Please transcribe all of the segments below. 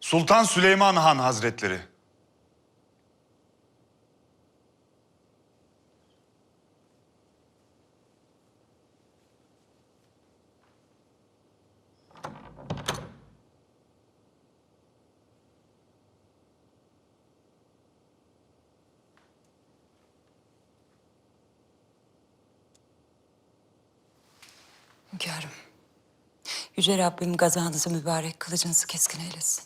Sultan Süleyman Han Hazretleri. Hünkârım, Yüce Rabbim gazanızı mübarek, kılıcınızı keskin eylesin.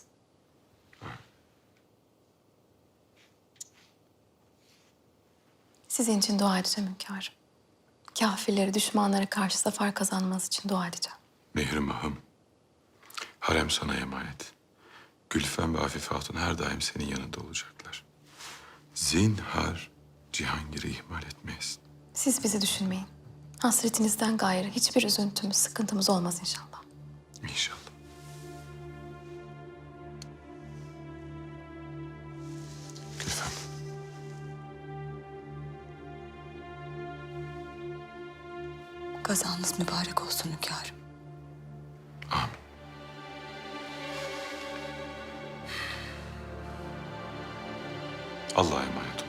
Sizin için dua edeceğim hünkârım. Kafirlere, düşmanlara karşı zafer kazanmanız için dua edeceğim. Mihrimah'ım, harem sana emanet. Gülfem ve Afife Hatun her daim senin yanında olacaklar. Zinhar Cihangir'i ihmal etmeyiz. Siz bizi düşünmeyin. Hasretinizden gayrı hiçbir üzüntümüz, sıkıntımız olmaz inşallah. İnşallah. Gülfem. Gazanız mübarek olsun hünkârım. Amin. Allah'a emanet ol.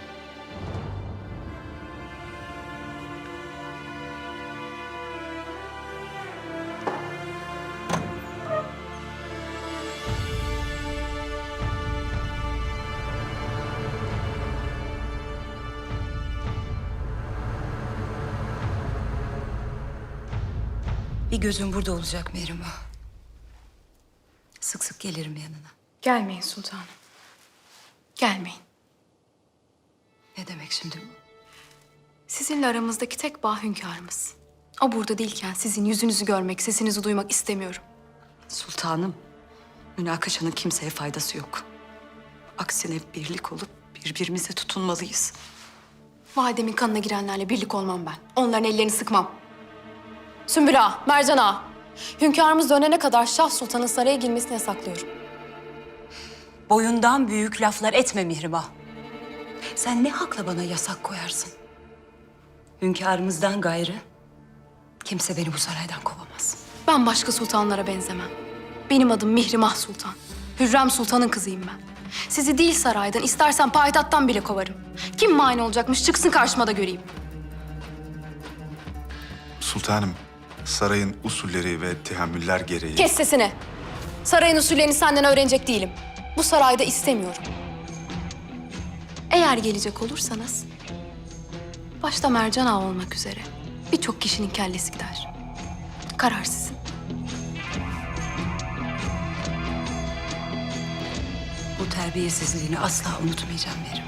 Bir gözüm burada olacak Mihrimah. Sık sık gelirim yanına. Gelmeyin sultanım. Gelmeyin. Ne demek şimdi bu? Sizinle aramızdaki tek bağ hünkârımız. O burada değilken sizin yüzünüzü görmek, sesinizi duymak istemiyorum. Sultanım, münakaşanın kimseye faydası yok. Aksine birlik olup birbirimize tutunmalıyız. Validemin kanına girenlerle birlik olmam ben. Onların ellerini sıkmam. Sümbül Ağa, Mercan Ağa. Hünkârımız dönene kadar Şah Sultan'ın saraya girmesini yasaklıyorum. Boyundan büyük laflar etme Mihrimah. Sen ne hakla bana yasak koyarsın? Hünkârımızdan gayrı kimse beni bu saraydan kovamaz. Ben başka sultanlara benzemem. Benim adım Mihrimah Sultan. Hürrem Sultan'ın kızıyım ben. Sizi değil saraydan, istersen payitahttan bile kovarım. Kim mani olacakmış çıksın karşıma da göreyim. Sultanım, sarayın usulleri ve tehammüller gereği... Kes sesini. Sarayın usullerini senden öğrenecek değilim. Bu sarayda istemiyorum. Eğer gelecek olursanız, başta Mercan Ağa olmak üzere birçok kişinin kellesi gider. Karar sizin. Bu terbiyesizliğini asla unutmayacağım Mihrimah.